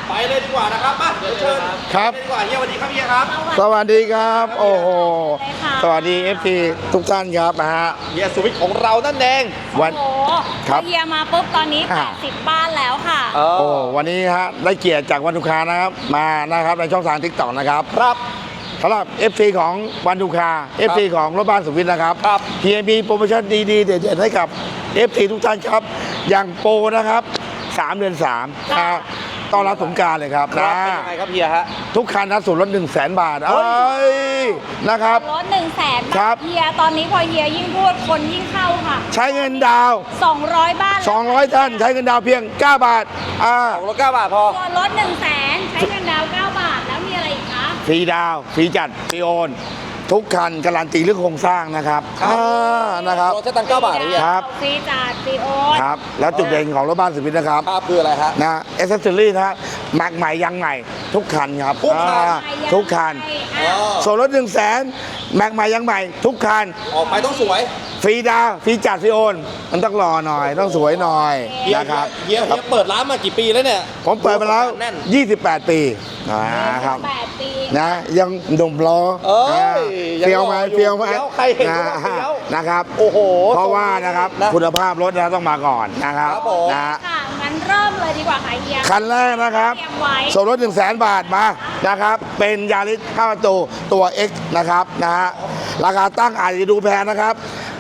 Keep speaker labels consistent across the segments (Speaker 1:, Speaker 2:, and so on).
Speaker 1: ไปเลยดีกว่านะครับมาเดี๋ยวเชิญ
Speaker 2: ครับ
Speaker 1: ดีกว่าเฮียสวัสดีครับเฮียครับ
Speaker 2: สวัสดีครับ โอ้โห สวัสดี FT ทุกท่านครับนะฮะ
Speaker 1: เฮียสุวิทย์ของเรานั่นเอง
Speaker 2: วัน
Speaker 3: โอ้โห
Speaker 2: ครับ
Speaker 3: เฮียมาปุ๊บตอนนี้ 80 บ้านแล้วค่ะ
Speaker 2: โอ้วันนี้ฮะได้เกียรติจากวันทุกคานะครับมานะครับในช่องทางทิกตอกนะครับ
Speaker 1: ครับ
Speaker 2: สำหรับ FC ของวันทุกคา FC ของรถบ้านสุวิทย์นะครับ
Speaker 1: ครับ
Speaker 2: เฮียมีโปรโมชั่นดีๆเด็ดๆให้กับ FC ทุกท่านครับ อย่างโปรนะครับ3 เดือน3นะต้อนรับสงกรานต์เลยครับ
Speaker 1: ครับ
Speaker 2: นะ
Speaker 1: เป็นยังไงครับเฮียฮะ
Speaker 2: ทุกคันนะส่วนลด100,000 บาท
Speaker 1: เฮ้
Speaker 2: เอ้ยนะครับ
Speaker 3: รถ100,000
Speaker 2: ครับ
Speaker 3: า ทเฮียตอนนี้พอเฮียยิ่งพูดคนยิ่งเข้าค่ะ
Speaker 2: ใช้เงินดาวน์
Speaker 3: 200 บ้านแล้ว
Speaker 2: 200 ท่านใช้เงินดาวน์เพียง 9 บาท
Speaker 1: ของรถ9 บาทพอ
Speaker 3: ส่วนรถ100,000ใช้เงินดาวน์9 บาทแล้วมีอะไรอีกคะ
Speaker 2: ฟรีดาวน์ฟรีจัดฟรีโอนทุกคันการันตีเรื่องโครงสร้างนะครับ
Speaker 1: ครับ
Speaker 2: นะครับ
Speaker 1: รถใช้ตังค์9 บาทเหรอเฮีย
Speaker 2: ครับ
Speaker 3: ฟรีจัดฟรีโอน
Speaker 2: ครับแล้วจุดเด่นของรถบ้านสุวิทย์นะครับ
Speaker 1: ครับคืออะไรฮะ
Speaker 2: นะเอเซสซอรี่นะฮะแม็กใหม่ยังใหม่ ทุกคันครับ
Speaker 1: ทุกคัน
Speaker 2: ทุกคัน
Speaker 3: อ่ะ
Speaker 2: ส่วนรถ100,000แม็กใหม่ยังใหม่ ทุกคัน
Speaker 1: ออกไปต้องสวย
Speaker 2: ฟรีดาวน์ฟรีจัดฟรีโอนมันต้องรอหน่อยต้องสวยหน่อย
Speaker 1: เฮีย
Speaker 2: นะครับ
Speaker 1: เฮียเปิดร้านมากี่ปีแล้วเนี่ย
Speaker 2: ผมเปิดมาแล้ว
Speaker 1: แน่น
Speaker 2: 28 ปีนะครับ
Speaker 3: 8 ปี
Speaker 2: นะยังหนุ่มรอ
Speaker 1: เอ้ยยัง
Speaker 2: เฟี้ยวไหม
Speaker 1: รออยู่
Speaker 2: เฟี้ยวไหม
Speaker 1: เฟี้ยวใครเห็นก็ว่าเฟี้ยว
Speaker 2: นะครับ
Speaker 1: โอ้โห
Speaker 2: เพราะว่านะครับ
Speaker 1: นะ
Speaker 2: คุณภาพรถนะต้องมาก่อนนะครับ
Speaker 1: ครับผม
Speaker 2: นะ
Speaker 3: ค่ะงั้นเริ่มเลยดีกว่าค่ะเฮีย
Speaker 2: คันแรกนะครับ
Speaker 3: เตรียมไว้
Speaker 2: ส่วนลด100,000 บาทมานะครับเป็นยาริส5 ประตูตัว X นะครับนะฮะราคาตั้งอาจจะดูแพงนะครับ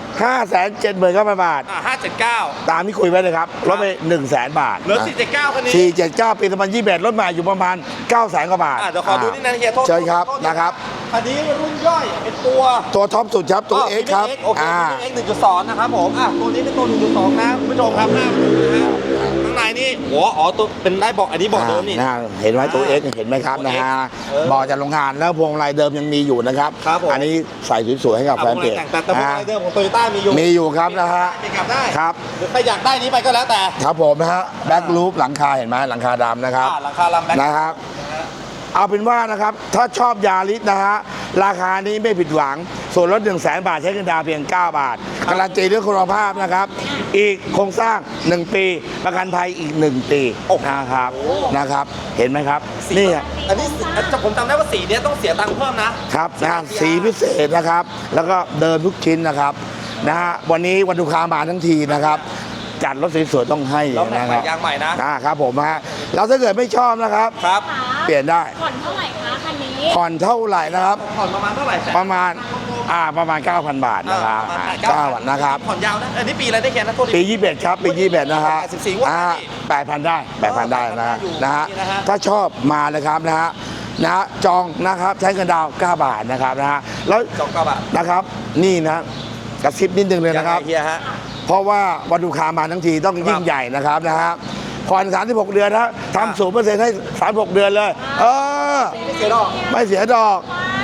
Speaker 2: 579,000 บาท
Speaker 1: 579
Speaker 2: ตามที่คุยไว้เลยครับลดไป100,000 บาท
Speaker 1: เหลือ479คันนี้
Speaker 2: 479 ปี2021ลดมาอยู่ประมาณ 900,000 กว่าบาท
Speaker 1: เดี๋ยวขอดูนิดนึงเฮียโทษ
Speaker 2: เชิญครับ
Speaker 1: โทษ
Speaker 2: นะครับ
Speaker 1: คันนี้รุ่นย่อยเป็นตัว
Speaker 2: ตัวท็อปสุดครับตัว X ครับ
Speaker 1: โอเคX 1.2 นะครับผมตัวนี้เป็นตัว 1.2 นะคุณผู้ชมครับหน้าดูนะฮะข้างในนี่อ๋อตัวเป็นได้บอกอันนี้บอกเดิมนี่
Speaker 2: เห็นไหมตัว X เห็นไหมครับ
Speaker 1: ตัว
Speaker 2: นะ
Speaker 1: X
Speaker 2: ฮะ
Speaker 1: เ
Speaker 2: บอกจากโรงงานแล้วพวงมาลัยเดิมยังมีอยู่นะครับ
Speaker 1: ครับผม
Speaker 2: อันนี้ใส่สวยๆให้กับแฟนเพจ
Speaker 1: แต่พวกไรเดิมของโตโยต้ามีอยู่
Speaker 2: มีอยู่ครับนะฮะ
Speaker 1: จะกลับได้
Speaker 2: ครับ
Speaker 1: หรือใครอยากได้นี้ไปก็แล้วแต่
Speaker 2: ครับผมนะฮะแบ็กลูปหลังคาเห็นไหมหลังคาดำนะครับ
Speaker 1: หลังคาลำแบ็ค
Speaker 2: นะครับ เอาเป็นว่านะครับถ้าชอบยาริสนะฮะราคานี้ไม่ผิดหวังส่วนลด100,000 บาทใช้เงินดาวน์เพียง 9 บาทการันตีเรื่องคุณภาพนะครับ อีกโครงสร้าง 1 ปี ประกันภัยอีก 1 ปีนะครับเห็นไหมครับนี่
Speaker 1: อันนี้ผมจำได้ว่าสีเนี้ยต้องเสียตังค์เพิ่มนะครับ
Speaker 2: นะสีพิเศษนะครับ แล้วก็เดิมทุกชิ้นนะครับนะฮะวันนี้วันลูกค้ามาทั้งทีนะครับ จัดรถสวยๆต้องให้
Speaker 1: แล้วแม็ก
Speaker 2: นะ
Speaker 1: ให
Speaker 2: ค
Speaker 1: ม่
Speaker 2: รับ
Speaker 1: ยางใหม่นะ
Speaker 2: ครับผมฮะแล้วถ้าเกิดไม่ชอบนะครับ
Speaker 1: ครับ
Speaker 2: เปลี่ยนได้
Speaker 3: ผ่อนเท่าไหร่คะคันนี้
Speaker 2: ผ่อนเท่าไหร่นะครับ
Speaker 1: ผ่อนประมาณเท่าไหร่แสน
Speaker 2: ประมาณ 9,000 บาทนะครับ
Speaker 1: ประมาณ
Speaker 2: 9,000นะครับ
Speaker 1: ผ่อนยาวนะอันนี้ปีอะไรได้แค่นะโทษที
Speaker 2: ปี21ครับปี21นะฮะ
Speaker 1: 84งวดนะพี่
Speaker 2: 8,000 ได้8,000 ได้นะฮะ
Speaker 1: อยู่
Speaker 2: นะฮะ
Speaker 1: นะฮะ
Speaker 2: ถ้าชอบมาเลยครับนะฮะจองนะครับใช้เงินดาวน์9 บาทนะครับนะฮะแล้ว
Speaker 1: จองกระบะ
Speaker 2: นะครับนี่นะกระซิบนิดนึงเลย
Speaker 1: ยัง
Speaker 2: นะ
Speaker 1: ไง
Speaker 2: ครับ
Speaker 1: เฮียฮะ
Speaker 2: เพราะว่าวันลูกค้ามาทั้งทีต้องยิ่งใหญ่นะครับนะฮะผ่อน36 เดือนนะทำ0%ให้36 เดือนเลย
Speaker 1: ไม่เสียดอก
Speaker 2: ไม่เสียดอก
Speaker 3: ใช่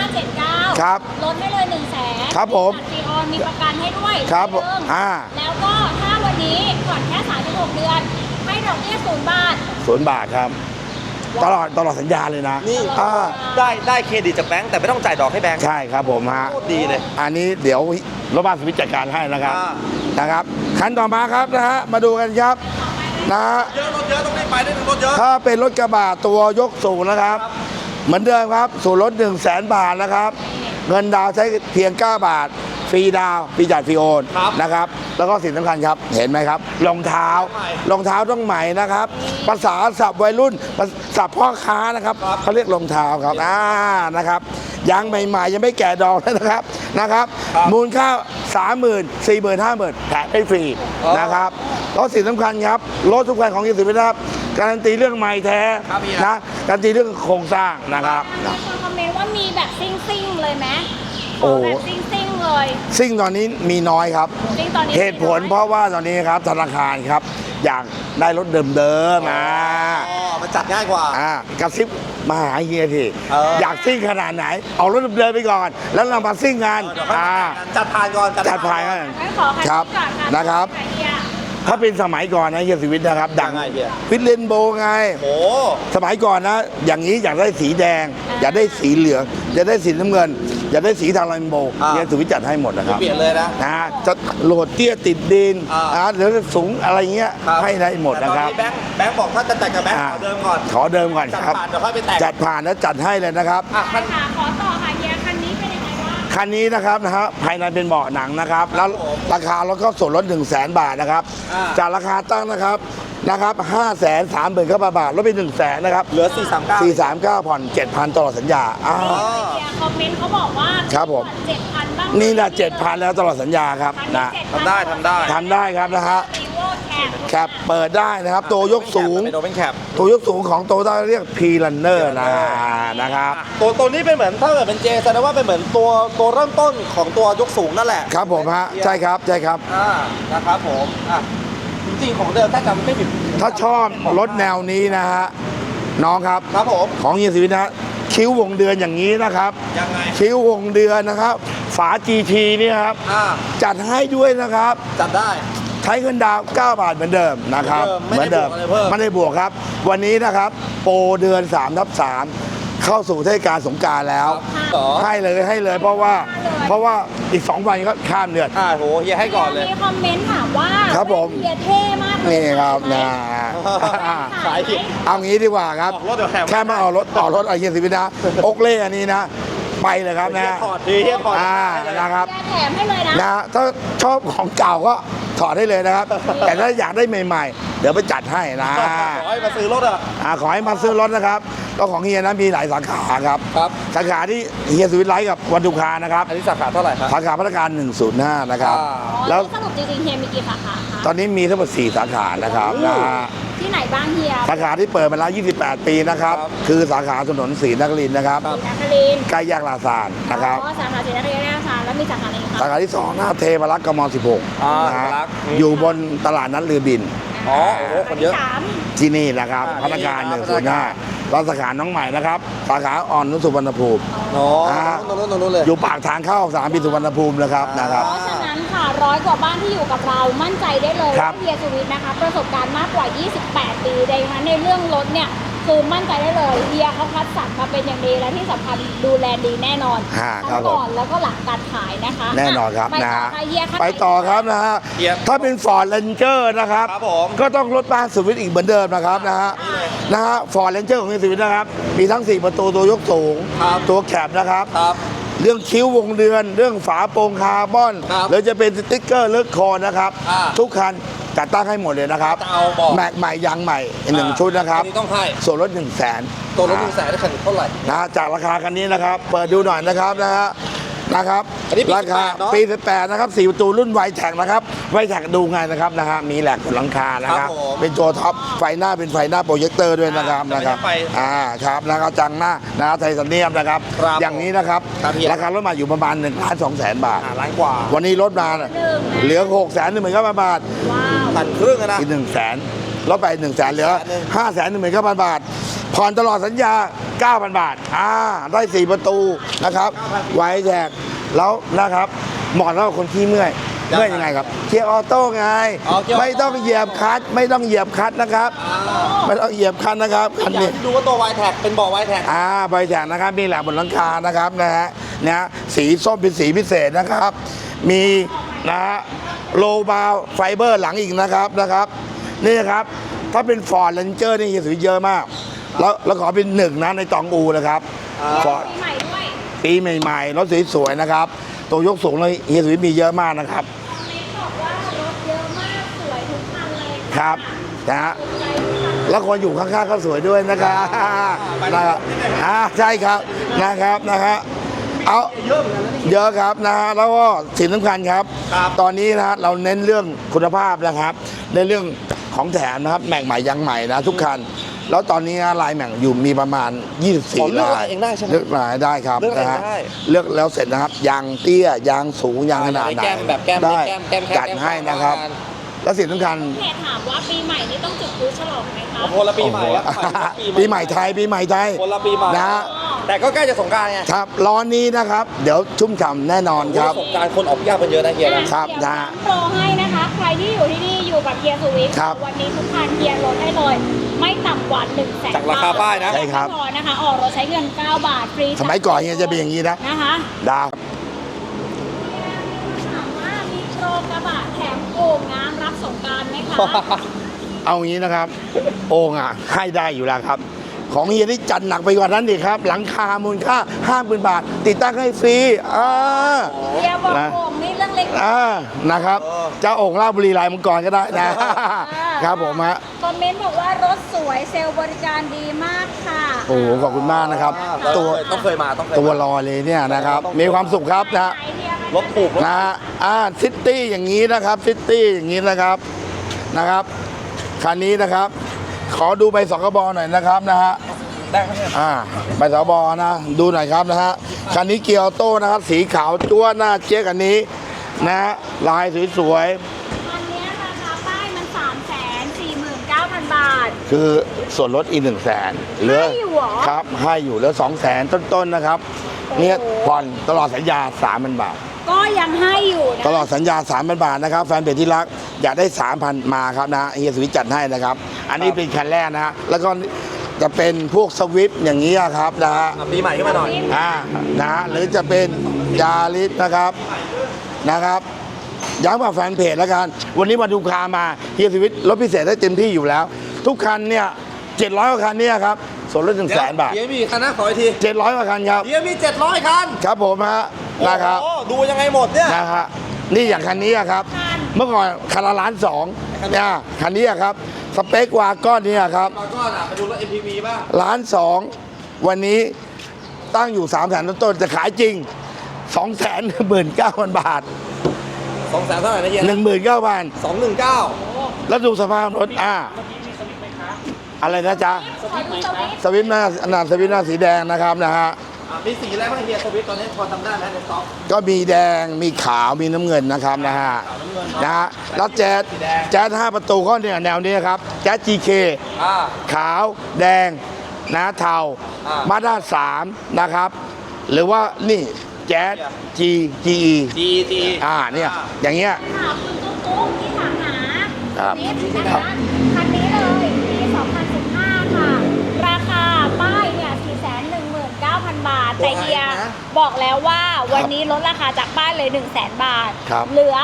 Speaker 3: 579
Speaker 2: ครับ
Speaker 3: ลดให้เลย100,000
Speaker 2: ครับผม
Speaker 3: ฟรีออนมีประกันให้ด้วย
Speaker 2: ครับ
Speaker 3: เพิ่ม แล้วก็ถ้าวันนี้ผ่อนแค่36 เดือน ให้ดอกเบี้ย0 บาท
Speaker 2: 0 บาทครับตลอดสัญญาเลยนะ
Speaker 1: นี่
Speaker 2: อ่า
Speaker 1: ได้เครดิตจากแบงค์แต่ไม่ต้องจ่ายดอกให้แบงค์
Speaker 2: ใช่ครับผมฮะ
Speaker 1: โคตรดีเลย
Speaker 2: อันนี้เดี๋ยวรถบ้านสวิตจัดการให้นะครับ
Speaker 1: อ่า
Speaker 2: นะครับคันต่อมาครับนะฮะมาดูกันครับนะฮะ
Speaker 1: เยอะรถเยอะต้องรีบไปได้ถึงรถเยอะ
Speaker 2: ถ้าเป็นรถกระบะตัวยกสูงนะครับ เหมือนเดิมครับส่วนลด100,000 บาทนะครับ เงินดาวน์ใช้เพียง 9 บาท ฟรีดาวน์ฟรีจัดฟรีโอน
Speaker 1: ครับ
Speaker 2: นะครับ แล้วก็สิ่งสำคัญครับ เห็นไหมครับรองเท้ารองเท้าต้องใหม่นะครับ ภาษาศัพท์วัยรุ่นศัพท์พ่อค้านะครับเขาเรียกรองเท้าครับนะครับยางใหม่ๆ ยังไม่แก่ดอกเลยนะครับ มูลค่า 30,000 40,000 50,000แถมให้ฟรีนะครับแล้วสิ่งสำคัญครับรถทุกคันของยี่สิบนะครับการันตีเรื่องใหม่แท้
Speaker 1: ครับพี่
Speaker 2: นะการันตีเรื่องโครงสร้างนะครับ
Speaker 3: มีคนคอมเมนต์ว่ามีแบบซิ่งๆเลยไหม
Speaker 2: โอ้
Speaker 3: ขอแบบซิ่งๆเลย
Speaker 2: ซึ่งตอนนี้มีน้อยครับ
Speaker 3: ซิ่งตอนนี้
Speaker 2: เหตุผลเพราะว่าตอนนี้ครับธนาคารครับอยากได้รถเดิมๆมา
Speaker 1: อ๋อมันจัดง่ายกว่า
Speaker 2: กระซิบมาหาเฮียที
Speaker 1: อย
Speaker 2: ากซิ่งขนาดไหน เอารถเดิมๆไปก่อน แล้วเรามาซิ่งกัน
Speaker 1: เดี๋ยวค่อยมาจัดผ่านก่อน
Speaker 2: จัดพายกัน
Speaker 3: งั้นขอคัน
Speaker 2: ครับ
Speaker 3: นี้ก่อนค่ะ
Speaker 2: นะครับ
Speaker 3: เฮีย
Speaker 2: ถ้าเป็นสมัยก่อนนะเฮียสุวิทย์นะครับ ดัง
Speaker 1: ยังไงเฮีย
Speaker 2: วิทเลนโบไง
Speaker 1: โอ้
Speaker 2: สมัยก่อนนะ อย่างนี้อยากได้สีแดง อยากได้สีเหลือง อยากได้สีน้ำเงินอยากได้สีทางเรนโบว์
Speaker 1: อ่า
Speaker 2: เฮียสุวิทย์จัดให้หมดนะครับ
Speaker 1: เปลี่ยนเลยนะ
Speaker 2: นะจะโหลดเตี้ยติดดิน
Speaker 1: อ่า
Speaker 2: หรือสูงอะไรเงี้ย
Speaker 1: ครับ
Speaker 2: ให้ได้หมดนะครับ
Speaker 1: แต่ตอนนี้แบงค์บอกถ้าจะแต่งกับแบงค์ขอเดิมก่อน
Speaker 2: ขอเดิมก่อน
Speaker 1: จัด
Speaker 2: ครับ
Speaker 1: ผ่านเดี๋ยวค่อยไปแต่ง
Speaker 2: จัดผ่านแล้วจัดให้เลยนะครับ
Speaker 1: อ่ะ
Speaker 3: คันขาขอต่อค่ะเฮียคันนี้เป็นยังไงบ้าง
Speaker 2: คันนี้นะครับภายในเป็นเบาะหนังนะครับ แล้วราคารถก็ส่วนลด 100,000 บาทนะครับ
Speaker 1: อ่า
Speaker 2: จากราคาตั้งนะครับ530,000 บาทลดไป 100,000นะครับ
Speaker 1: เหลือ 439
Speaker 2: 439ผ่อน 7,000 ตลอดสัญญาอ้าว
Speaker 3: เฮียคอมเมนต์เขาบอกว่า
Speaker 2: ครับผม
Speaker 3: 7,000 บ้าง
Speaker 2: นี่นะ7,000 แล้วตลอดสัญญาครับ
Speaker 3: คันนี้
Speaker 2: นะ
Speaker 3: 7,000
Speaker 1: ทำได้ทำได้
Speaker 2: ทำได้ครับนะฮะ
Speaker 3: รีโวแคป
Speaker 2: แคปเปิดได้นะครับ ตัวยกสูง
Speaker 1: เป็นโอเปนแคป
Speaker 2: ตัวยกสูงของโตต้าเรียก P Runner นะครับ
Speaker 1: ตัวนี้เป็นเหมือนถ้าเกิดเป็นเจแสดงว่าเป็นเหมือนตัวเริ่มต้นของตัวยกสูงนั่นแหละ
Speaker 2: ครับผมฮะใช่ครับใช่ครับ
Speaker 1: นะครับผมจริงๆของเดิมถ้าจำไม่ผิด
Speaker 2: ถ้าชอบรถแนวนี้นะฮะน้องครับ
Speaker 1: ครับผม
Speaker 2: ของเฮียศิวิทย์นะฮะคิ้ววงเดือนอย่างนี้นะครับ
Speaker 1: ยังไง
Speaker 2: คิ้ววงเดือนนะครับ ฝา GT เนี่ยครับ จัดให้ด้วยนะครับ
Speaker 1: จัดได้
Speaker 2: ใช้เงินดาวน์9 บาทเหมือนเดิมนะครับ
Speaker 1: เหมือนเดิมไม่ได้บวกอะไรเพิ่ม
Speaker 2: ไม่ได้บวกครับ วันนี้นะครับโปรเดือน3/3เข้าสู่เทศกาลสงกรานต์แล้ว
Speaker 1: เหรอ
Speaker 2: ให้เลยเพราะว่าอีก 2 วันก็ข้ามเดือน
Speaker 1: โหเฮียให้ก่อนเลย
Speaker 3: มีคอมเมนต์ถามว่า
Speaker 2: ครับผม
Speaker 3: เฮียเท่มากเลย
Speaker 2: นี่ครับนะ
Speaker 1: ขายผิด
Speaker 2: เอางี้ดีกว่าครับ
Speaker 1: ออกรถเดี๋ยวแถม
Speaker 2: แค่มาออกรถต่อรถไอเฮียศิวิทย์นะอกเล่อันนี้นะ ไปเลยครับนะ
Speaker 1: เฮียถอดดีเฮียถอด
Speaker 2: นะครับ
Speaker 3: เฮียแถมให้เลยนะ
Speaker 2: นะถ้าชอบของเก่าก็ถอดได้เลยนะครับ แต่ถ้าอยากได้ใหม่ๆ เดี๋ยวไปจัดให้นะ
Speaker 1: ขอให้มาซื้อรถอ่ะ
Speaker 2: ขอให้มาซื้อรถนะครับก็ของเฮียนะมีหลายสาขาครับ
Speaker 1: ครับ
Speaker 2: สาขาที่เฮียสุวิทย์ไลท์กับวันดุคานะครับ
Speaker 1: อันนี้สาขาเท่าไหร่ครับ
Speaker 2: สาขาพัฒนาการ 105 นะครับ
Speaker 3: แล้
Speaker 2: แล้ว ว
Speaker 3: สรุปจริงๆเฮียมีกี่สาขาคะ
Speaker 2: ตอนนี้มีทั้งหมด4 สาขานะครับนะ
Speaker 3: ที่ไหนบ้างเฮีย
Speaker 2: สาขาที่เปิดมาแล้ว 28 ปีนะครับ คือสาขาถนนศรีนครินทร์นะครับ
Speaker 3: ศรีนครินทร์
Speaker 2: ใกล้แยกลาซานนะครับ
Speaker 3: อ๋อสาขาศรีนครินทร์ราชาแล้วมีสาขาไหนอีก
Speaker 2: สา
Speaker 3: คะ
Speaker 2: ขาที่ 2 หน้าเทพรักษ์กม 16 นะฮะ
Speaker 1: เทพรักษ์
Speaker 2: อยู่บนตลาดนัดเรือบิน
Speaker 1: อ๋อโอ้โหคนเยอะ
Speaker 3: สาม
Speaker 2: ที่นี่นะครับพนักงาน
Speaker 1: นี่ครับ
Speaker 2: 105แล้วสาขาน้องใหม่นะครับ สาขาอ่อนนุชสุวรรณภูมิ
Speaker 1: โอ้นู้นเลย
Speaker 2: อยู่ปากทางเข้าสนามบินสุวรรณภูมินะครับ
Speaker 1: อ่าน
Speaker 2: นะครับ
Speaker 3: เพราะฉะนั้นค่ะ100 กว่าบ้านที่อยู่กับเรามั่นใจได้เลย
Speaker 2: ครั
Speaker 3: ว่า
Speaker 2: บ
Speaker 3: เฮียสุวิทย์นะคะ ประสบการณ์มากกว่า 28 ปีดังนั้นในเรื่องรถเนี่ยคือมั่นใจได้เลยเฮียเขาคัดสรรมาเป็นอย่างดีและที่สำคัญดูแลดีแน่นอน
Speaker 2: ครั
Speaker 3: ทั้
Speaker 2: บ
Speaker 3: ง
Speaker 2: ผม
Speaker 3: ก่อนแล้วก็หลังการขายนะคะ
Speaker 2: แน่นอนครับ
Speaker 3: ไป
Speaker 2: นะ
Speaker 3: ต่อ
Speaker 2: ฮะ
Speaker 3: ค่ะเฮียค่ะ
Speaker 2: ไปต่อครับนะฮะ
Speaker 1: เฮีย
Speaker 2: ถ้าเป็น Ford Ranger นะครับ
Speaker 1: ครับผม
Speaker 2: ก็ต้องรถบ้านสุวิทย์อีกเหมือนเดิมนะครับนะฮะ Ford Ranger ของสุวิทย์นะครับ มีทั้ง 4 ประตูตัวยกสูง
Speaker 1: ครับ
Speaker 2: ตัวแคบนะครับ
Speaker 1: ครับ
Speaker 2: เรื่องคิ้ววงเดือน เรื่องฝาโปร่งคาร์บอน
Speaker 1: ครับ
Speaker 2: หรือจะเป็นสติ๊กเกอร์เลือกคอนะครับ ทุกคันจัดตั้งให้หมดเลยนะครับ
Speaker 1: จะเอาบอก
Speaker 2: แม็กใหม่ยางใหม่อีก1 ชุดนะครับ
Speaker 1: อันนี้ต้องให้
Speaker 2: ส่วนลด100,000
Speaker 1: ตัวรถ100,000ได้คันเท่าไหร่
Speaker 2: นะจากราคาคันนี้นะครับ เปิดดูหน่อยนะครับนะครับ
Speaker 1: อันนี้ปี
Speaker 2: ราคา
Speaker 1: 18เนอะ
Speaker 2: ปี 18 นะครับ 4 ประตูรุ่นไวแท็กนะครับไวแท็กดูไงนะครับนะฮะมีแหลกบนหลังคานะครับ
Speaker 1: ครับผม
Speaker 2: เป็นตัวท็อปไฟหน้าเป็นไฟหน้าโปรเจคเตอร์ด้วยนะครับ
Speaker 1: แต่ไม่
Speaker 2: นะครับ
Speaker 1: ใช่ไฟ
Speaker 2: ครับนะครับจังหน้านะครับไทเทเนียมนะครับ
Speaker 1: ครับ
Speaker 2: อย่างนี้นะครับ
Speaker 1: ครับพี่
Speaker 2: ราคารถมาอยู่ประมาณ1,200,000 บาท
Speaker 1: ล้านกว่า
Speaker 2: วันนี้ลดมาเหลือ619,000 บาท
Speaker 3: ว้าว
Speaker 1: พันครึ่งอะนะ
Speaker 2: อีก100,000ลดไป100,000เหลือ 519,000 บาท ผ่อนตลอดสัญญา 9,000 บาทได้ 4 ประตูนะครับไวแท็กแล้วนะครับเหมาะสำหรับคนที่เมื่อยยังไงครับเกียร์ออโต้ไง
Speaker 1: อ๋อเกียร์ออโต้
Speaker 2: ไม่ต้องเหยียบคลัตช์ไม่ต้องเหยียบคลัตช์นะครับไม่ต้องเหยียบคลัตช์นะครับคัน
Speaker 1: อยา
Speaker 2: นี้
Speaker 1: กดูว่าตัวไวแท็กเป็นเบาะไวแท็ก
Speaker 2: ไวแท็กนะครับมีแหลกบนหลังคานะครับนะฮะสีส้มเป็นสีพิเศษนะครับ มีนะฮะโลบาวไฟเบอร์หลังอีกนะครับนี่นะครับถ้าเป็นฟอร์ดเรนเจอร์นี่เฮียสุวิทย์เยอะมาก แล้วขอเป็นหนึ่งนะในตองอูนะครับฟอร์ด
Speaker 3: ปีใหม่ด้วย
Speaker 2: ปีใหม่ๆรถสวยๆนะครับตัวยกสูงเลยเฮียสุวิทย์มีเยอะมากนะครับ
Speaker 3: คอมเมนต์บอกว่ารถเยอะมากสวยทุกคันเลย
Speaker 2: ครับนะฮะแล้วคนอยู่ข้างๆก็สวยด้วยนะครับนะครับใช่ครับนะครับนะฮะเอาเยอะครับนะฮะแล้วก็สิ่งสำคัญครับ ตอนนี้นะฮะเราเน้นเรื่องคุณภาพนะครับในเรื่องของแถมนะครับแม็กใหม่ยางใหม่นะทุกคันแล้วตอนนี้นะลายแม็กอยู่มีประมาณ 24
Speaker 1: เลือก
Speaker 2: ลาย
Speaker 1: เองได้ใช่ไหม
Speaker 2: เลือกลายได้ครับ
Speaker 1: เลือกเอง
Speaker 2: นะฮะ
Speaker 1: ได้
Speaker 2: เลือกแล้วเสร็จนะครับยางเตี้ยยางสูงยางขนาดไหน
Speaker 1: แก้มแบบแก้ม
Speaker 2: ได้
Speaker 1: แก้ม
Speaker 2: จัดให้นะครับแล้วสิ่งสำคัญ
Speaker 3: เพจถามว่าปีใหม่นี้ต้องจุดพลุฉลองไหมคะ
Speaker 1: คนละปีใหม่ครับ
Speaker 2: ปีใหม่ไทยปีใหม่ไทย
Speaker 1: คนละปีใหม่
Speaker 2: นะฮะ
Speaker 1: แต่ก็ใกล้จะสงกรานต์ไง
Speaker 2: ครับร้อนนี้นะครับ เดี๋ยวชุ่มฉ่ำแน่นอนครับ
Speaker 1: สงกรานต์คนออกยากกันเยอะนะเฮียนะครับ
Speaker 3: เดี๋ยวโปรให้นะคะ ใครที่อยู่ที่นี่อยู่กับเฮียสุวิทย์
Speaker 2: ครับ
Speaker 3: วันนี้ทุกคันเฮียลดให้เลย ไม่ต่ำกว่า100,000
Speaker 1: จากราคาป้ายนะ
Speaker 2: ใช่ครับ
Speaker 3: ไม่พอนะคะ ออกรถใช้เงิน 9 บาทฟรี
Speaker 2: สมัยก่อนเนี่ยจะเป็นอย่างนี้นะ
Speaker 3: นะคะ
Speaker 2: ดาว
Speaker 3: ถามว่ามีโปรกระบะแถมโอ่งน้ำรับสงกรานต์ไหมคะ
Speaker 2: เอางี้นะครับ โอ่งอ่ะให้ได้อยู่แล้วครับ ของเฮียนี่จัดหนักไปกว่านั้นอีกครับ หลังคามูลค่า 50,000 บาท ติดตั้งให้ฟรี
Speaker 3: เฮียบอกโอ่งนี่เรื่องเล็ก
Speaker 2: นะครับเจ้าโอ่งราชบุรีลายมังกรก็ได้นะ ครับผมฮะ
Speaker 3: คอมเมนต์บอกว่ารถสวยเซลล์บริการดีมากค่ะ
Speaker 2: โอ้โหขอบคุณมากนะครับ ตัว
Speaker 1: ต้องเคยมาต้องเคย
Speaker 2: ตัว
Speaker 1: มา
Speaker 2: ลอยเลยเนี่ยนะครับ มีความสุขครับนะ
Speaker 1: รถถูกรถ
Speaker 2: นะซิตี้อย่างนี้นะครับซิตี้อย่างนี้นะครับคันนี้นะครับ ขอดูใบสกบหน่อยนะครับนะฮะ
Speaker 1: ได้ครับเนี่ย
Speaker 2: ใบสกบนะดูหน่อยครับนะฮะคันนี้เกียร์ออโต้นะครับสีขาวจั๊วหน้าเจ๊ยกอันนี้นะฮะลายสวย
Speaker 3: อันเนี้ยราคาป้ายมัน 349,000 บาท
Speaker 2: ๆคือส่วนลดอีก100,000เหลือ
Speaker 3: ให้อยู่เหรอ
Speaker 2: ครับให้อยู่เหลือ200,000ต้นๆนะครับเนี่ยผ่อนตลอดสัญญา 3,000 บาท
Speaker 3: ก็ยังให้อยู่นะ
Speaker 2: ตลอดสัญญา 3,000 บาทนะครับ แฟนเพจที่รักอยากได้ 3,000 มาครับนะเฮียสวิทจัดให้นะครับ อันนี้เป็นคันแรกนะฮะแล้วก็จะเป็นพวกสวิฟต์อย่างนี้ครับนะฮะ
Speaker 1: ปีใหม่ขึ้นมาหน่อย
Speaker 2: นะฮะหรือจะเป็นยาริสนะครับย้ำกับแฟนเพจแล้วกัน วันนี้มาดูคามาเฮียสวิทลดพิเศษได้เต็มที่อยู่แล้ว ทุกคันเนี่ย700 กว่าคันเนี่ยครับส่วนลด100,000 บาท
Speaker 1: เฮียมีคันนะขออีกที
Speaker 2: 700 กว่าคันครับ
Speaker 1: เฮียมี700คัน
Speaker 2: ครับผมฮะนะครับ
Speaker 1: โอ้โหดูยังไงหมดเนี่ย
Speaker 2: นะฮะนี่อย่างคันนี้อะครับ เมื่อก่อนคันละ1.2 ล้านเนี่ยคันนี้อะครับ สเปควาก้อนนี้อะครับ
Speaker 1: มาก่อนอ่ะไปดูรถ MPV บ้าง
Speaker 2: 1.2 ล้านวันนี้ตั้งอยู่300,000 ต้นๆจะขายจริง 219,000 บาท
Speaker 1: 200,000เท่าไหร่นะเฮีย
Speaker 2: 19,000
Speaker 1: 219
Speaker 2: แล้วดูสภาพรถอะไรนะจ๊ะ
Speaker 3: ขอดูสวิตช์
Speaker 2: สวิฟต์หน้าสวิฟต์หน้าสีแดงนะครับนะฮะ
Speaker 1: มีสีอะไรบ้างเฮียสวิตตอนนี้พอจำได้ไหมในสต็อก
Speaker 2: ก็มีแดงมีขาวมีน้ำเงินนะครับนะฮะแล้วแจ๊ส5 ประตูก็เนี่ยแนวนี้ครับแจ๊ส GK
Speaker 1: อ่า
Speaker 2: ขาวแดงนะเทา
Speaker 1: อ่า
Speaker 2: มาด้า3นะครับ หรือว่านี่แจ๊ส GE
Speaker 1: GT
Speaker 2: เนี่ยอย่างเงี้ย
Speaker 3: ถามคุณตุ๊กที่ถามหา
Speaker 2: ครับ
Speaker 3: นิดนะคะคันนี้เลยปี2015 ค่ะ ราคาป้ายเนี่ย 419,000 บาท แต่เฮียบอกแล้วว่าวันนี้ลดราคาจากป้ายเลย 100,000 บาท
Speaker 2: ครับ
Speaker 3: เหลือ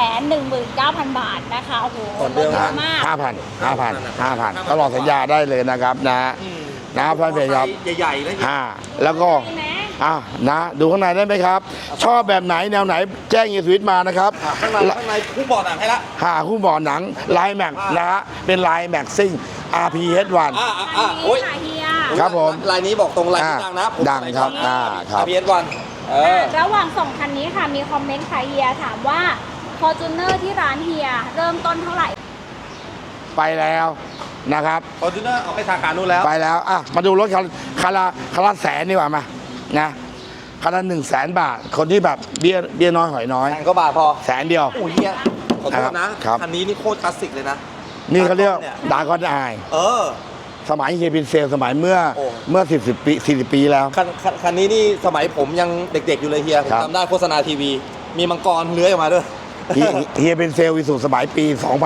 Speaker 3: 319,000 บาทนะคะ โอ้โหลดเยอะมาก
Speaker 2: 5,000 ตลอดสัญญาได้เลยนะครับนะพันเพจครับ
Speaker 1: ใหญ่ๆแล้ว
Speaker 2: แล้วก็
Speaker 3: ใช่ไหม
Speaker 2: ดูข้างในได้ไหมครับ ชอบแบบไหนแนวไหนแจ้งเฮียสวิทมานะครับ
Speaker 1: ข้างในคู่บอร์ดหนังให้ละ
Speaker 2: คู่บ่อหนังลายแม็กนะฮะเป็นลายแม็กซิ่ง RPH1
Speaker 1: โอ้ย
Speaker 3: ค่ะเฮีย
Speaker 2: ครับผม
Speaker 1: ลายนี้บอกตรงลายนี้ดังนะ
Speaker 2: ดังครับครับ
Speaker 1: PS1
Speaker 3: ระหว่างสองคันนี้ค่ะมีคอมเมนต์ค่ะเฮียถามว่า Fortuner ที่ร้านเฮียเริ่มต้นเท่าไหร่
Speaker 2: ไปแล้วนะครับ
Speaker 1: ฟอร์จูเนอร์ออกไปสาขานู้นแล้ว
Speaker 2: ไปแล้วมาดูรถคันละแสนดีกว่ามานะคันละ100,000 บาท คนที่แบบเบี้ยน้อยหอยน้อย
Speaker 1: แสนก็บาทพอ
Speaker 2: แสนเดียว
Speaker 1: โอ้ยเฮียขอโทษนะครับ คันนี้นี่โคตรคลาสสิกเลยนะ
Speaker 2: นี่เขาเรียก
Speaker 1: เนี่ย
Speaker 2: ดากอนไอ สมัยเฮียบินเซลสมัยเมื่อ
Speaker 1: โอ้
Speaker 2: 40 ปีแล้ว
Speaker 1: คันนี้นี่สมัยผมยังเด็กๆอยู่เลยเฮียผม
Speaker 2: ครับ
Speaker 1: จำได้โฆษณาทีวี มีมังกรเลื้อยออกมาด้วย
Speaker 2: เฮียเป็นเซลวิสุสมัยปี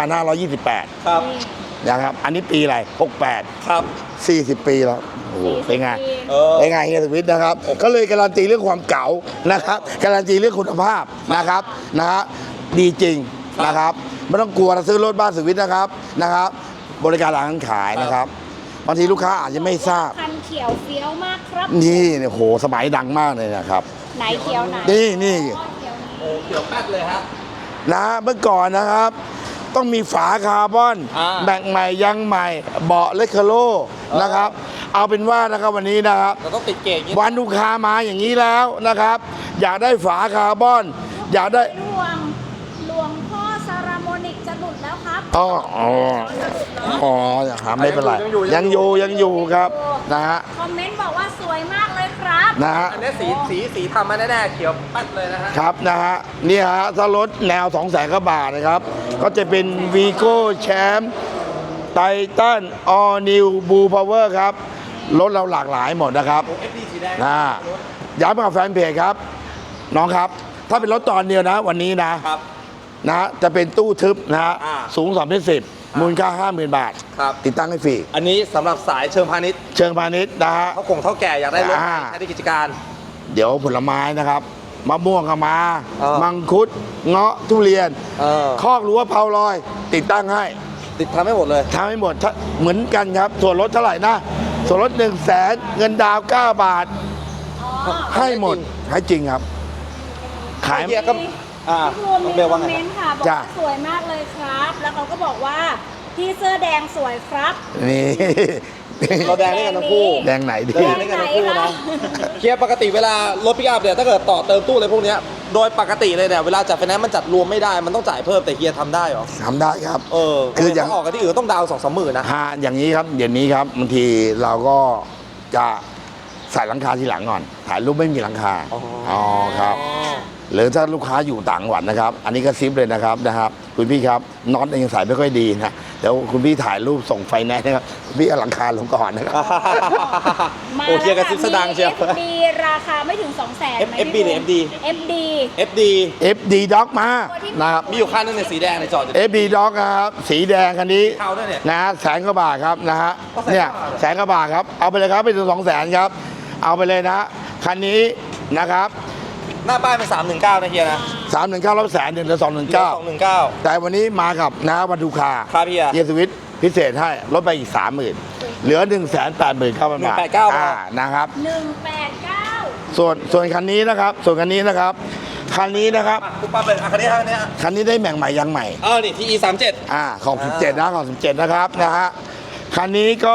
Speaker 2: 2528
Speaker 1: ครับ
Speaker 2: นะครับ อันนี้ปีอะไร 68
Speaker 1: ครับ
Speaker 2: 40 ปีแล้ว โอ้โห เป็นไง
Speaker 1: เออ
Speaker 2: เป็นไงเฮียสวิทนะครับ ก็เลยการันตีเรื่องความเก๋านะครับ การันตีเรื่องคุณภาพนะครับ ดีจริงนะครับ ไม่ต้องกลัวนะซื้อรถบ้านสวิทนะครับ บริการหลังขายนะครับ บางทีลูกค้าอาจจะไม่ทราบ
Speaker 3: คันเขียวเฟี้ยวมากครับ
Speaker 2: นี่เนี่ยโห สมัยดังมากเลยนะครับ
Speaker 3: ไหนเขียวไหน
Speaker 2: นี่
Speaker 3: อ๋อเขียวนี้
Speaker 1: โอ้เขียวแป๊ดเลยฮะ
Speaker 2: เมื่อก่อนนะครับ ต้องมีฝาคาร์บอน แบ่งใหม่ยังใหม่ เบาะเลคเคโลนะครับ เอาเป็นว่านะครับวันนี้นะครับ
Speaker 1: เราต้องติดเกจอย่างนี้
Speaker 2: วันลูกค้ามาอย่างนี้แล้วนะครับ อยากได้ฝาคาร์บอน อยากได้
Speaker 3: หลวงพ่อซาราโมนิกจะหลุดแล้วครับ
Speaker 2: อ๋อครับไม่เป็นไรยังอยู่ครับนะฮะ
Speaker 3: คอมเมนต์บอกว่าสวยมากเลยครับ
Speaker 2: นะฮะ
Speaker 1: อันนี้สีทำมาแน่ๆเขียวปัดเลยนะฮะ
Speaker 2: ครับนะฮะนี่ฮะถ้ารถแนว 200,000 กว่าบาทนะครับ ก็จะเป็น Vigo Champ Titan All New Blue Power ครับรถเราหลากหลายหมดนะครับ
Speaker 1: FD สีแดง
Speaker 2: ย้ำกับแฟนเพจครับ น้องครับ ถ้าเป็นรถตอนเดียวนะวันนี้นะครับ นะจะเป็นตู้ทึบนะฮะ
Speaker 1: อ่า
Speaker 2: สูง2.10มูลค่า 50,000 บาท
Speaker 1: ครับ
Speaker 2: ติดตั้งให้ฟรี
Speaker 1: อันนี้สำหรับสายเชิงพาณิชย์
Speaker 2: เชิงพาณิชย์นะฮะ
Speaker 1: เท่าแก่อยากได้รถ
Speaker 2: อ่า
Speaker 1: ใช้ในกิจการ
Speaker 2: เดี๋ยวผลไม้นะครับมะม่วงก็มา
Speaker 1: มั
Speaker 2: มังคุดเงาะทุเรียน คอกรั้วเผาลอย ติดตั้งให้
Speaker 1: ติดทำให้หมดเลย
Speaker 2: ทำให้หมดเหมือนกันครับ ส่วนลดเท่าไหร่นะ ส่วนลด100,000เงินดาวน์9 บาท
Speaker 3: อ๋อ
Speaker 2: ให้หมด ให้จริงครับ ขาย
Speaker 1: เฮียก็อ่า
Speaker 3: พี่ภูมิ
Speaker 1: น้อง
Speaker 3: มี
Speaker 1: เบล
Speaker 3: คอ
Speaker 1: ว่าม ไง
Speaker 3: เมนต์ค่ะ บอก
Speaker 2: จ้ะ
Speaker 3: ว่าสวยมากเลยครับ แล้วเขาก็บอกว่าพี่เสื้อแดงสวยครับ
Speaker 2: นี่
Speaker 1: เราแดงด้วยกันทั้งคู่
Speaker 2: แดงไหนดี
Speaker 1: แดงด้วยกันทั้งคู่นะเฮียปกติเวลารถปิกอัพเนี่ยถ้าเกิดต่อเติมตู้อะไรพวกเนี้ยโดยปกติเลยเนี่ยเวลาจัดไฟแนนซ์มันจัดรวมไม่ได้มันต้องจ่ายเพิ่มแต่เฮียทำได้เหรอ
Speaker 2: ทำได้ครับ
Speaker 1: คืออย่างออกกันที่อื่นต้องดาวน์2-3 หมื่นนะ
Speaker 2: อย่างนี้ครับเดี๋ยวนี้ครับบางทีเราก็จะใส่หลังคาทีหลังก่อน ถ่ายรูปไม่มีหลังคา
Speaker 1: อ๋อ
Speaker 2: ครับ หรือถ้าลูกค้าอยู่ต่างจังหวัดนะครับ อันนี้ก็ซิปเลยนะครับ คุณพี่ครับน็อตยังใส่ไม่ค่อยดีนะเดี๋ยวคุณพี่ถ่ายรูปส่งไฟแนนซ์นะครับคุณพี่เอาหลังคาลงก่อนนะครับ
Speaker 1: โอ้เฮียกระซิบสะดังเชียว
Speaker 3: มี FD ราคาไม่ถึง 200,000ไหม
Speaker 1: FB หรือ FD
Speaker 3: FD
Speaker 1: FD
Speaker 2: FD Dog มานะครับ
Speaker 1: มีอยู่คันนึงในยสีแดงในจอดอยู่
Speaker 2: FD Dog นะครับสีแดงคันนี้
Speaker 1: เทาด้วยเนี่ย
Speaker 2: นะ100,000 กว่าบาทครับนะฮะ
Speaker 1: ก็100,000
Speaker 2: เนี่ย100,000 กว่าบาทครับเอาไปเลยครับไปถึง200,000ครับเอาไปเลยนะคันนี้นะครับ
Speaker 1: หน้าป้ายเป็น319นะเฮียนะ
Speaker 2: 319รับ100,000เหลือ219
Speaker 1: 219
Speaker 2: แต่วันนี้มากับนะวันดูคา
Speaker 1: ครับเฮีย
Speaker 2: เยสวิตพิเศษให้ลดไปอีก 30,000เหลือ 189,000 บาท
Speaker 1: 189,000
Speaker 2: นะครับ
Speaker 3: 189
Speaker 2: ส่วนคันนี้นะครับคันนี้นะครับ
Speaker 1: ปุ๊บปั๊บเลยคันนี้คันนี้
Speaker 2: คันนี้ได้แหม่งใหม่ยังใหม่
Speaker 1: นี่ที่ E37
Speaker 2: ของ17นะของ17นะครับนะฮะคันนี้ก็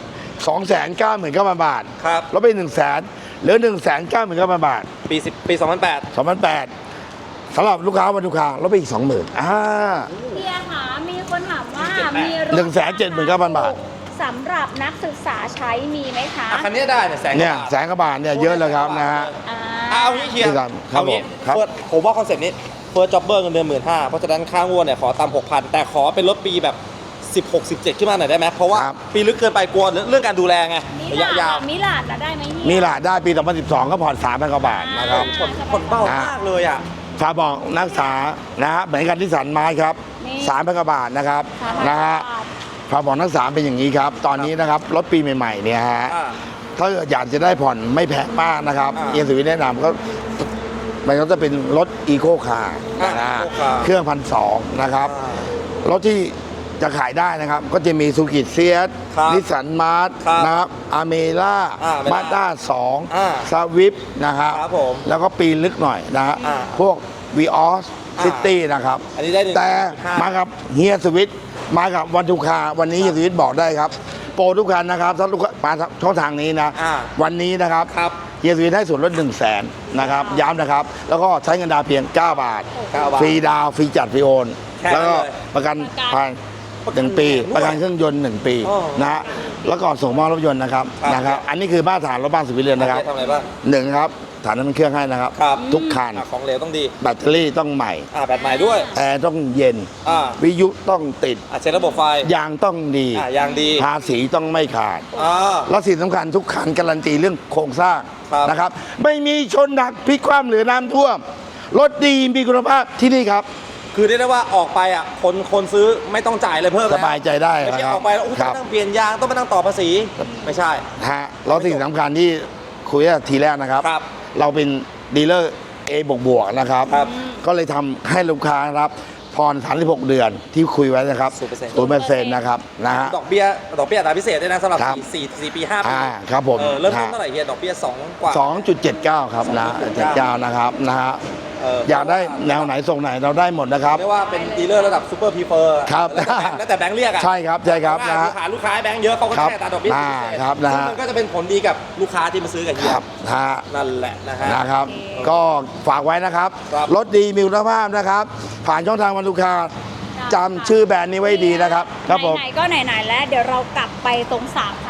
Speaker 2: 299,000 บาท
Speaker 1: ครับ
Speaker 2: ลดไป 100,000เหลือ 199,000 บาท
Speaker 1: ปี2008
Speaker 2: 2008สำหรับลูกค้าวันดูคาลดไปอีก 20,000
Speaker 3: เฮียค่ะมีคนถามว่ามีรถ
Speaker 2: 179,000 บาท
Speaker 3: สำหรับนักศึกษาใช้มีไหมคะ
Speaker 1: คันนี้ได้เนี่ยแสนก
Speaker 2: เนี่ย
Speaker 1: ว่าบาท
Speaker 2: 100,000 กว่าบาทเนี่ยเยอะเลยครับนะฮะ
Speaker 1: เอางี้เฮีย
Speaker 2: ครับ
Speaker 1: เอางี้
Speaker 2: ครับ
Speaker 1: ผมว่าคอนเซ็ปต์นี้เฟิร์สจ็อบเบอร์เงินเดือน15,000เพราะฉะนั้นค่างวดเนี่ยขอตาม 6,000 แต่ขอเป็นรถปีแบบ16 17ขึ้นมาหน่อยได้ไหมเพราะว่า
Speaker 2: ครับ
Speaker 1: ปีลึกเกินไปกลัวเรื่องการดูแลไงระยะยาว
Speaker 3: มิลาดนะได้ไหมเฮีย
Speaker 2: มีหลาดได้ปี 2012 ก็ผ่อน 3,000 กว่าบาทนะครับ
Speaker 1: ผลเบามากเลยอ่ะ
Speaker 2: ฝากบอกนักศึกษานะฮะเหมือนกันที่สันไม้ครับ
Speaker 3: นี่
Speaker 2: 3,000 กว่าบาทนะครับ
Speaker 3: 3,000
Speaker 2: นะฮะ
Speaker 3: บาท
Speaker 2: ฝากบอกนักศึกษาเป็นอย่างนี้ครับ ตอนนี้นะครับรถปีใหม่ๆเนี่ยฮะ
Speaker 1: อ่า
Speaker 2: ถ้าอยากจะได้ผ่อนไม่แพงมากนะครับ
Speaker 1: อ่า
Speaker 2: เอียสุวิทย์แนะนำก็มันก็จะเป็นรถอีโคคาร์
Speaker 1: อ่า
Speaker 2: นะฮะ
Speaker 1: Eco Car
Speaker 2: เครื่อง1,200นะครับ รถที่จะขายได้นะครับ ก็จะมีซูกิเซียส
Speaker 1: ครับ
Speaker 2: นิสสันมาร์ท
Speaker 1: ครับ
Speaker 2: นะครับอาเมล่า
Speaker 1: Ameera
Speaker 2: มาด้า
Speaker 1: อ่า
Speaker 2: 2 สวิฟนะครับ
Speaker 1: ครับผม
Speaker 2: แล้วก็ปีลึกหน่อยนะฮะ
Speaker 1: อ่า
Speaker 2: พวกวีออสซิตี้นะครับ
Speaker 1: อันนี้ได้1.5
Speaker 2: แต่มากับเฮียสวิตมากับวันทุกคาวันนี้เฮียสวิตบอกได้ครับ โปรทุกคันนะครับถ้าลูกค้ามาช่องทางนี้นะ
Speaker 1: อ่า
Speaker 2: วันนี้นะครับ
Speaker 1: ครับ
Speaker 2: เฮียสวิตให้ส่วนลด100,000นะครับย้ำนะครับ แล้วก็ใช้เงินดาวน์เพียง 9 บาท
Speaker 1: 9 บาท
Speaker 2: ฟรีดาวน์ฟรีจัดฟรีโอน
Speaker 1: แค่นั้น
Speaker 2: แล้วก็
Speaker 1: เลย
Speaker 2: ประกัน
Speaker 3: ประกัน
Speaker 2: ภาย1 ปี ประกันเครื่องยนต์ 1 ปี
Speaker 1: อ๋อ
Speaker 2: นะฮะแล้วก็ส่งมอบรถยนต์นะครับ
Speaker 1: ครับ
Speaker 2: นะครับ อันนี้คือมาตรฐานรถบ้านสุวิทย์เลยนะครับ
Speaker 1: ทำอะไรบ้าง
Speaker 2: หนึ่งครับฐานน้ำมันเครื่องให้นะครับ
Speaker 1: ครับ
Speaker 2: ทุกคัน
Speaker 1: ของเหลวต้องดี
Speaker 2: แบตเตอรี่ต้องใหม่
Speaker 1: แบตใหม่ด้วย
Speaker 2: แอร์ต้องเย็น
Speaker 1: อ่า
Speaker 2: วิทยุต้องติด
Speaker 1: เช็คระบบไฟ
Speaker 2: ยางต้องดี
Speaker 1: ยางดี
Speaker 2: ภาษีต้องไม่ขาด
Speaker 1: อ่า
Speaker 2: และสิ่งสำคัญทุกคันการันตีเรื่องโครงสร้าง
Speaker 1: ครับ
Speaker 2: นะครับ ไม่มีชนหนักพลิกคว่ำหรือน้ำท่วม รถดีมีคุณภาพที่นี่ครับ
Speaker 1: คือเรียกได้ว่าออกไปอ่ะคนซื้อไม่ต้องจ่ายอะไรเพิ่ม
Speaker 2: ส
Speaker 1: แล้ว
Speaker 2: บายใจได้
Speaker 1: ไม่
Speaker 2: นะ
Speaker 1: ใช่
Speaker 2: ครั
Speaker 1: อบ อกไปแล้วอุ๊ย
Speaker 2: ค
Speaker 1: ต้อ
Speaker 2: รับ
Speaker 1: งนั่งเปลี่ยนยางต้องมานั่งต่อภาษีไม่ใช่
Speaker 2: ฮะแล้วสิ่งสำคัญที่คุยกันทีแรกนะครับ
Speaker 1: ครับ
Speaker 2: เราเป็นดีลเลอร์ A บวกๆนะครับ
Speaker 1: ครับ
Speaker 2: ก็เลยทำให้ลูกค้านะครับผ่อน36 เดือนที่คุยไว้นะครับ 0% นะครับนะฮะ
Speaker 1: ดอกเบี้ยอัตราพิเศษด้วยนะสำหรับ
Speaker 2: ครับ
Speaker 1: 4 ปี 5 ปี
Speaker 2: ครับผม
Speaker 1: เริ่มต้นเท่าไหร่เฮียดอกเบี้ย2 กว่า
Speaker 2: 2.79 ครับนะ79นะครับนะฮะ
Speaker 1: อ
Speaker 2: อยากได้แนวไหนส่งไหนเราได้หมดนะครับ
Speaker 1: ไม่ว่าเป็นดีลเลอร์ระดับซูเปอร์พรีเฟอร์
Speaker 2: ครับ
Speaker 1: แล้วแต่แบงค์เรียกอ่ะ
Speaker 2: ใช่ครับใช่ครับนะฮะ
Speaker 1: ลูกค้าให้แบงค์เยอะเขาก็
Speaker 2: ครับ
Speaker 1: แค่ตาดอกเบี้ยพิเศษ
Speaker 2: ครับนะฮะ
Speaker 1: ซึ่งมันก็จะเป็นผลดีกับลูกค้าที่มาซื้อกับเฮี
Speaker 2: ค
Speaker 1: ย
Speaker 2: รับฮะ
Speaker 1: นั่นแหละนะฮะ
Speaker 2: นะครับ ก็ฝากไว้นะครับ
Speaker 1: ครับ
Speaker 2: รถดีมีคุณภาพนะครับ ผ่านช่องทางวันลูกค้าจำชื่อแบรนด์นี้ไว้ดีนะครับ ครับผม
Speaker 3: ไหนๆก็ไหนๆแล้ว เดี๋ยวเรากลับไปตรง3คันที่เรา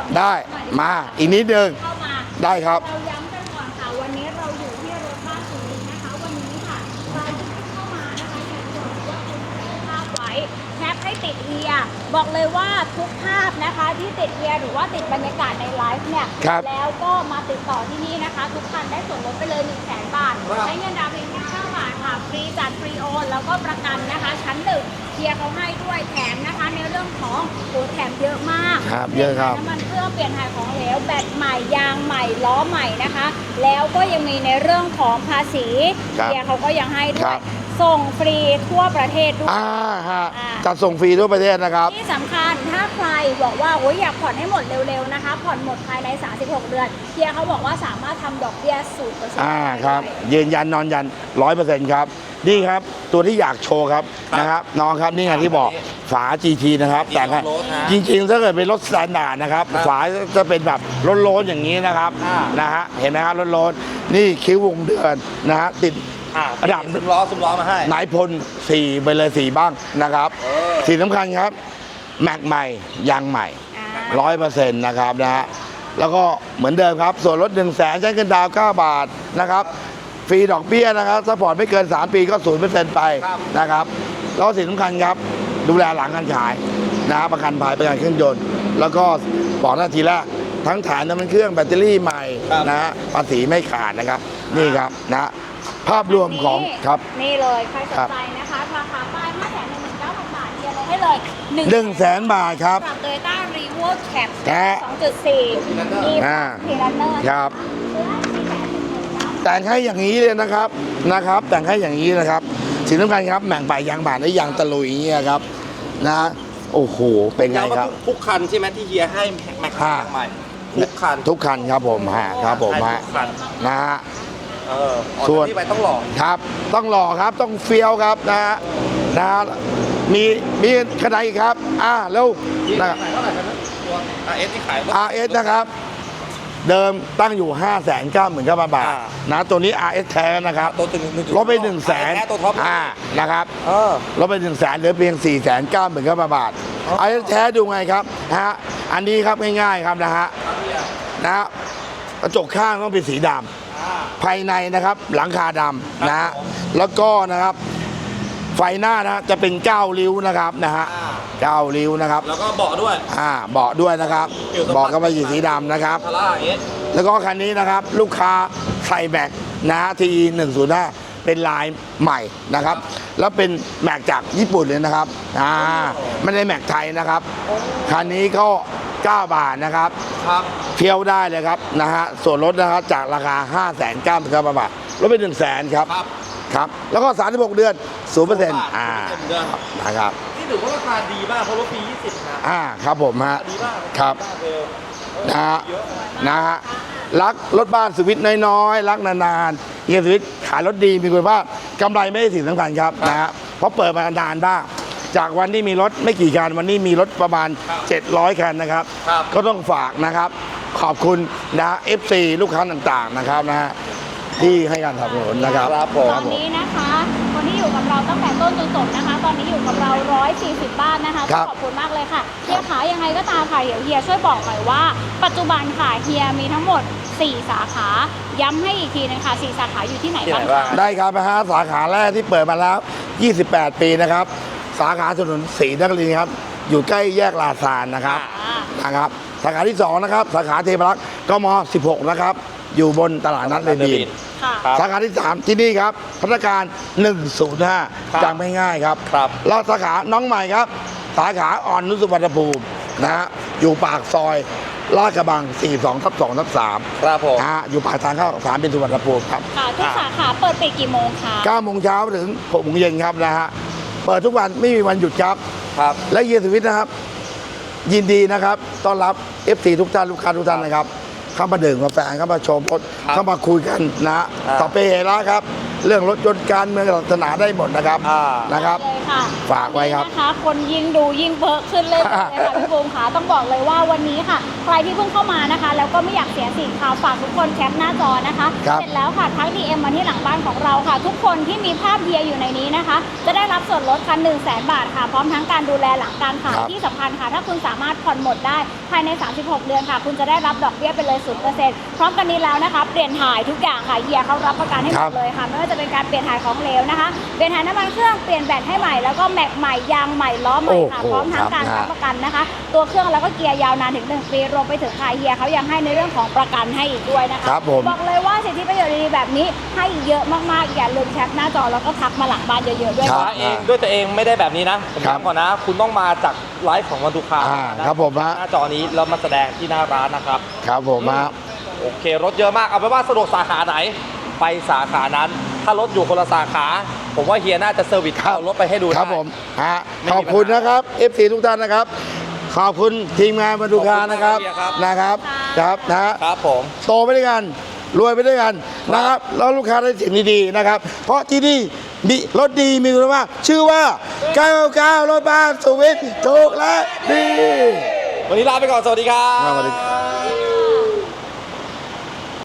Speaker 2: ได้มาอีกนิดนึง
Speaker 3: เข้ามา
Speaker 2: ได้ครับ
Speaker 3: เราย้ำกันก่อนค่ะวันนี้เราอยู่ที่รถบ้านสุรินทร์นะคะวันนี้ค่ะใครที่เข้ามานะคะอยากจะบอกว่าคุณถ่ายภาพไว้แคปให้ติดเฮียบอกเลยว่าทุกภาพนะคะที่ติดเฮียหรือว่าติดบรรยากาศในไลฟ์เนี่ย
Speaker 2: ครับ
Speaker 3: แล้วก็มาติดต่อที่นี่นะคะ ทุกคันได้ส่วนลดไปเลย 100,000 บาทใช้เงินดาวน์เพียงแค่9 บาทค่ะฟรีจัดฟรีโอนแล้วก็ประกันนะคะชั้นหนึ่งเฮียเขาให้ด้วยแถมนะคะในเรื่องของโอ้แถมเยอะมาก
Speaker 2: ครับเยอะครับ
Speaker 3: น้ำมันเครื่องเปลี่ยนถ่ายของเหลวแบตใหม่ยางใหม่ล้อใหม่นะคะ แล้วก็ยังมีในเรื่องของภาษี
Speaker 2: ครับ
Speaker 3: เฮียเขาก็ยังให้ด้
Speaker 2: ครั
Speaker 3: วย
Speaker 2: บ
Speaker 3: ส่งฟรีทั่วประเทศด้วย
Speaker 2: ฮะ
Speaker 3: อ่า
Speaker 2: จัดส่งฟรีทั่วประเทศนะครับ
Speaker 3: ที่สำคัญถ้าใครบอกว่าโอ้ยอยากผ่อนให้หมดเร็วๆนะคะ ผ่อนหมดภายใน 36 เดือนเฮียเขาบอกว่าสามารถทำดอกเบี้ย 0%
Speaker 2: ครับยืนยันนอนยัน 100% ครับ นี่ครับตัวที่อยากโชว์ครับนะครับน้องครับนี่ไงที่บอกฝา GT นะครับแต่งให้จริงๆถ้าเกิดเป็นรถสแตนดาร์ดนะครับฝาจะเป็นแบบโล้นๆอย่างนี้นะครับนะฮะเห็นไหมครับโล้นๆนี่คิ้ววงเดือนนะฮะติด ระดับ
Speaker 1: ซุ้มล้อมาให้
Speaker 2: นายพล4ไปเลย4บ้างนะครับสิ่งสำคัญครับแม็กใหม่ยางใหม่ 100%นะครับนะฮะแล้วก็เหมือนเดิมครับส่วนลด 100,000 ใช้เงินดาวน์9 บาทนะครับฟรีดอกเบี้ยนะครับซัพพอร์ตไม่เกิน 3 ปีก็ 0% ไปนะครับแล้วสิ่งสำคัญครับดูแลหลังการขายนะประกันภัยประกันเครื่องยนต์แล้วก็บอกหน้าทีแรกทั้งฐานน้ำมันเครื่องแบตเตอรี่ใหม่นะฮะภาษีไม่ขาดนะครับนี่ครับนะภาพรวมของครับ
Speaker 3: นี่เลยใครสนใจนะคะราคาป้าย 519,000 บาทเฮียลดให้เลย
Speaker 2: 100,000 บาทครับ
Speaker 3: กับ Toyota ReWorld Cap
Speaker 2: แท้
Speaker 3: 2.4 มีพีรันเนอร์
Speaker 2: ครับ
Speaker 3: 419,000
Speaker 2: แต่งให้อย่างนี้เลยนะครับแต่งให้อย่างนี้นะครับสิ่งสำคัญครับแหม่งป่ายยางบาดและยางตะลุยอย่างเงี้ยครับนะโอ้โหเป็นไง
Speaker 1: ย้ำว่า
Speaker 2: ครับ
Speaker 1: ทุกคันใช่ไหมที่เฮียให้แม็กซ์ใหม่ทุกคัน
Speaker 2: ทุกคันครับผมครับผม
Speaker 1: ให้ทุกคัน
Speaker 2: นะฮะ
Speaker 1: ออก
Speaker 2: ส่วน
Speaker 1: จากที่ไปต้องหล่อ
Speaker 2: ครับต้องหล่อครับต้องเฟี้ยวครับนะฮะมีขนาดอีกครับแล้ว
Speaker 1: นะ
Speaker 2: นะ
Speaker 1: เท่าไหร่ครับตัว RS ที่ขาย
Speaker 2: RS นะครับเดิมตั้งอยู่ 599,000 บาทนะตัวนี้ RS แท้นะครับ
Speaker 1: ตัวถึง
Speaker 2: ลดไป 100,000
Speaker 1: แท้ตัวท็อป
Speaker 2: นะครับ
Speaker 1: เออ
Speaker 2: ลดไป 100,000เหลือเพียง 499,000 บาท
Speaker 1: อ๋อ
Speaker 2: ไอ้แท้ดูไงครับฮะอันนี้ครับง่ายๆครับนะฮะกระจกข้างต้องเป็นสีดำภายในนะครับหลังคาดำนะฮะแล้วก็นะครับไฟหน้านะจะเป็น9 ริ้วนะครับนะฮะ9 ริ้วนะครับ
Speaker 1: แล้วก็เบาะด้วย
Speaker 2: เบาะด้วยนะครับเบาะก็เป็นสีดำนะครับ
Speaker 1: คาร่า RS
Speaker 2: แล้วก็คันนี้นะครับลูกค้าใส่แม็กนะที105เป็นลายใหม่นะครับแล้วเป็นแม็กจากญี่ปุ่นเลยนะครับไม่ได้แม็กไทยนะครับคันนี้ก็9 บาทนะครับ
Speaker 1: ครับ
Speaker 2: เที่ยวได้เลยครับนะฮะส่วนลดนะครับจากราคา 599,000 บาทลดไป 100,000ครับ
Speaker 1: ครับ
Speaker 2: ครับแล้วก็36 เดือน 0%
Speaker 1: เดือน
Speaker 2: นะครับ
Speaker 1: นี่ถือว่าราคาดีมากเพราะรถปี 20 นะ
Speaker 2: ครับผมฮะ
Speaker 1: ดีมาก
Speaker 2: ครับ นะฮะนะฮะรักรถบ้านสวิตน้อยๆรักนานๆเฮียสวิตขายรถดีมีคุณภาพกำไรไม่ใช่สิ่งสำคัญครับนะฮะเพราะเปิดมานานบ้างจากวันที่มีรถไม่กี่คันวันนี้มีรถประมาณ 700 คันนะครับ ก็ต้องฝากนะครับ ขอบคุณนะ FC ลูกค้าต่างๆนะครับนะฮะที่ให้การสนับสนุนนะครับ
Speaker 1: ครับผม
Speaker 3: ตอนนี้นะคะคนที่อยู่กับเราตั้งแต่ต้นจนจบนะคะ ตอนนี้อยู่กับเรา 140 บ้านนะคะ
Speaker 2: ครับ
Speaker 3: ขอบคุณมากเลยค่ะเฮียขายังไงก็ตามค่ะเดี๋ยวเฮียช่วยบอกหน่อยว่า ปัจจุบันค่ะเฮียมีทั้งหมด 4 สาขาย้ำให้อีกทีนึงค่ะ4 สาขาอยู่ที่ไหนบ้างคะ
Speaker 2: ได้ครับนะฮะสาขาแรกที่เปิดมาแล้ว 28 ปีนะครับ สาขาถนนศรีนครินทร์ครับอยู่ใกล้แยกลาซานนะครับนะครับสาขาที่ 2 นะครับ สาขาเทพรักษ์กม 16 นะครับ อยู่บนตลาดนัดเรนดีน
Speaker 3: ค่ะ
Speaker 2: สาขาที่ 3 ที่นี่ครับพัฒนาการ 105จำไม่ง่ายครับ
Speaker 1: ครับ
Speaker 2: แล้วสาขาน้องใหม่ครับ สาขาอ่อนนุสุวรรณภูมินะฮะอยู่ปากซอยลาดกระบัง 42/2/3
Speaker 1: ครับผม
Speaker 2: นะฮะอยู่ปากทางเข้าสามเป็นสุวรรณภูมิครับ
Speaker 3: ค่ะทุกสาขาเปิดปิดกี่โมงคะ
Speaker 2: 9 โมงเช้าถึง 6 โมงเย็นครับนะฮะเปิดทุกวันไม่มีวันหยุดครับ
Speaker 1: ครับ
Speaker 2: และเยียร์สวิตนะครับ ยินดีนะครับต้อนรับ FC ทุกท่านลูกค้าทุกท่านนะครับ เข้ามาดื่มกาแฟเข้ามาชมรถ
Speaker 1: ครับ
Speaker 2: เข้ามาคุยกันนะฮะต่อไปเฮระครับ เรื่องรถยนต์การเมืองศาสนาได้หมดนะครับนะครับ
Speaker 3: เลยค่ะ
Speaker 2: ฝากไว้ครับ
Speaker 3: นะคะคนยิ่งดูยิ่งเพิ่มขึ้นเลยค่ะพี่บูมค่ะต้องบอกเลยว่าวันนี้ค่ะ ใครที่เพิ่งเข้ามานะคะ แล้วก็ไม่อยากเสียสิทธิ์ค่ะฝากทุกคนแคปหน้าจอนะคะ
Speaker 2: ครับ
Speaker 3: เสร็จแล้วค่ะทัก DM มาที่หลังบ้านของเราค่ะ ทุกคนที่มีภาพเฮียอยู่ในนี้นะคะ จะได้รับส่วนลดค่ะ100,000 บาทค่ะ พร้อมทั้งการดูแลหลังการขายที่สำคัญคัญค่ะ ถ้าคุณสามารถผ่อนหมดได้ภายใน 36 เดือนค่ะ คุณจะได้รับดอกเบี้ยไปเลย 0%พร้อมกันนี้แล้วนะคะเปลี่ยนถ่ายทุกอย่างค่ะเฮียเขารับประกันให้หมดเลยค่ะไม่ว่าจะเป็นการเปลี่ยนถ่ายของเหลวนะคะเปลี่ยนถ่ายน้ำมันเครื่องเปลี่ยนแบตให้ใหม่แล้วก็แม็กใหม่ยางใหม่ล้อใหม่ค่ะพร้อมทั้งการรับประกันนะคะตัวเครื่องแล้วก็เกียร์ยาวนานถึง1 ปีรวมไปถึงค่ะเฮียเขายังให้ในเรื่องของประกันให้อีกด้วยนะคะ
Speaker 2: ครับผม
Speaker 3: บอกเลยว่าสิทธิประโยชน์ดีๆแบบนี้ให้เยอะมากๆอย่าลืมแคปหน้าจอแล้วก็ทักมาหลังบ้านเยอะๆด้วย
Speaker 2: ครั
Speaker 3: ค่ะ
Speaker 2: บ
Speaker 1: เองด้วยตัวเองไม่ได้แบบนี้นะผม
Speaker 2: ครับ
Speaker 1: ย้ำก่อนนะ คุณต้องมาจากไลฟ์ของวันทุกคา
Speaker 2: ครับผมฮะ
Speaker 1: หน้าจอนี้แล้วมาแสดงที่หน้าร้านนะครับ
Speaker 2: ครับผมฮะ
Speaker 1: โอเครถเยอะมากเอาไปนว่าสะดวกสาขาไหน ไปสาขานั้น ถ้ารถอยู่คนละสาขา ผมว่าเฮียน่าจะเซอร์วิสเข้ารถไปให้ดูได้
Speaker 2: ครับผมฮะ
Speaker 1: ไม่มี
Speaker 2: ขอบคุณนะครับ FC ทุกท่านนะครับ ขอบคุณทีมงานบรรทุกคานะครับ
Speaker 1: ขอบคุณครับ
Speaker 2: นะครับครับนะฮะ
Speaker 1: ครับผม
Speaker 2: โตไปด้วยกันรวยไปด้วยกันนะครับแล้วลูกค้าได้สิ่งดีๆนะครับ เพราะที่นี่มีรถดีมีคุณภาพชื่อว่า99รถบ้านสุวิทย์ถูกและดี
Speaker 1: วันนี้ลาไปก่อนสวัสดีครับ
Speaker 2: สวัสดี